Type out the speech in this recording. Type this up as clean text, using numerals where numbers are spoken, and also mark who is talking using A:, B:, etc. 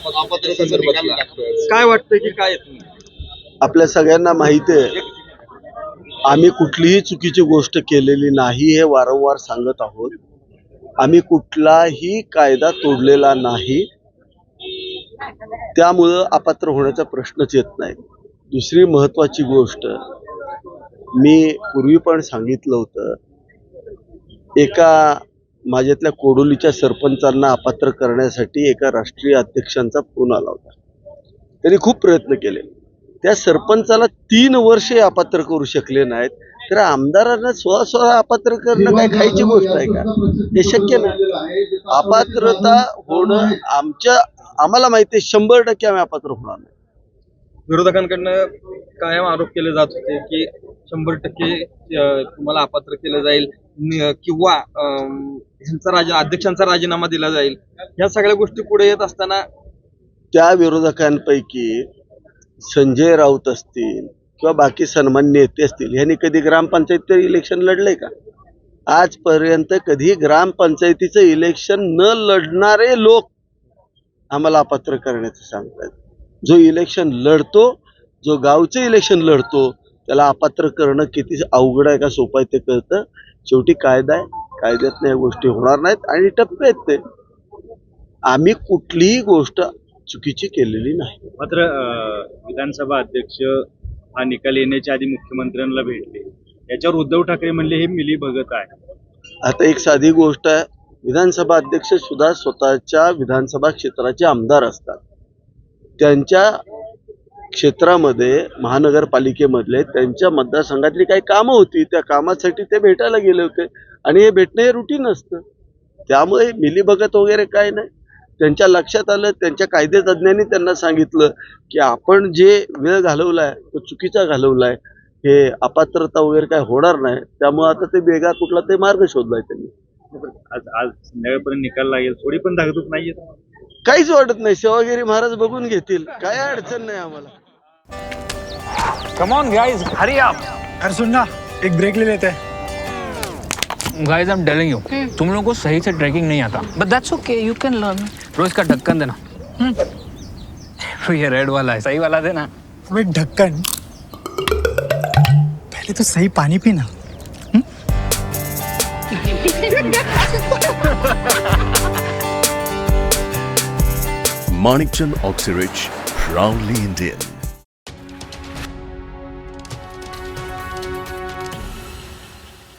A: अपात्र संदर्भात
B: काय वाटतं की काय
C: आपल्या सगळ्यांना माहिती आहे, आम्ही कुठलीही चुकीची गोष्ट केलेली नाही हे वारंवार सांगत आहोत. आम्ही कुठलाही कायदा तोडलेला नाही, त्यामुळं अपात्र होण्याचा प्रश्नच येत नाही. दुसरी महत्वाची गोष्ट, मी पूर्वी पण सांगितलं होतं, एका माझ्यातल्या कोडोलीच्या सरपंचांना अपात्र करण्यासाठी एका राष्ट्रीय अध्यक्षांचा फोन आला होता. त्यांनी खूप प्रयत्न केले. त्या सरपंचाला 3 वर्षे अपात्र करू शकले नाहीत, तर आमदारांना स्वतः अपात्र करणं काय खायची गोष्ट आहे का? हे शक्य नाही. अपात्रता होणं आम्हाला माहिती आहे, 100% आम्ही अपात्र होणार नाही.
B: विरोधकांकडनं कायम आरोप केले जात होते की 100% तुम्हाला अपात्र केलं जाईल किंवा अध्यक्षांचा राजीनामा दिला जाईल. या सगळ्या गोष्टी पुढे येत असताना
C: त्या विरोधकांपैकी संजय राऊत असतील किंवा बाकी सन्मान्य नेते असतील, यांनी कधी ग्रामपंचायत इलेक्शन लढलंय का? आजपर्यंत कधी ग्रामपंचायतीचं इलेक्शन न लढणारे लोक आम्हाला अपात्र करण्याचं सांगतात. जो इलेक्शन लढतो, जो गावचं इलेक्शन लढतो, त्याला अपात्र करणं किती अवघड आहे का सोपं आहे ते कळतं. शेवटी कायदा आहे, कायद्यातल्या या गोष्टी होणार नाहीत आणि टप्पे आहेत ते. आम्ही कुठलीही गोष्ट चुकीची केलेली नाही.
D: मात्र विधानसभा अध्यक्ष हा निकाल येण्याच्या आधी मुख्यमंत्र्यांना भेटले, याच्यावर उद्धव ठाकरे म्हणले हे मिलीभगत आहे.
C: आता एक साधी गोष्ट आहे, विधानसभा अध्यक्ष सुद्धा स्वतःच्या विधानसभा क्षेत्राचे आमदार असतात. त्यांच्या क्षेत्रामध्ये महानगरपालिकेमधले त्यांच्या मतदारसंघातली काही कामं होती, त्या कामासाठी ते भेटायला गेले होते आणि हे भेटणं हे रुटीन असतं. त्यामुळे मिलीभगत वगैरे काय नाही. त्यांच्या लक्षात आलं, त्यांच्या कायदेतज्ञांनी त्यांना सांगितलं की आपण जे वेळ घालवलाय तो चुकीचा घालवलाय, हे अपात्रता वगैरे काय होणार नाही. त्यामुळे आता ते वेगळा कुठला ते मार्ग शोधलाय त्यांनी.
D: आज संध्याकाळपर्यंत निकाल लागेल, थोडी पण धाकधूक नाहीये.
C: काहीच वाटत नाही, सेवागिरी महाराज बघून घेतील, काय अडचण नाही आम्हाला.
E: कम ऑन गाइस, हरी आप.
F: अरे सुन ना, एक ब्रेक ले लेते हैं.
E: Guys I am telling you, तुम लोगों को सही से ट्रैकिंग नहीं आता. But that's okay, you can learn. रोज का ढक्कन देना. ये रेड वाला है, सही वाला देना.
F: अबे ढक्कन, पहले तो सही पानी पीना.
G: Manikchand Oxyrich, proudly Indian.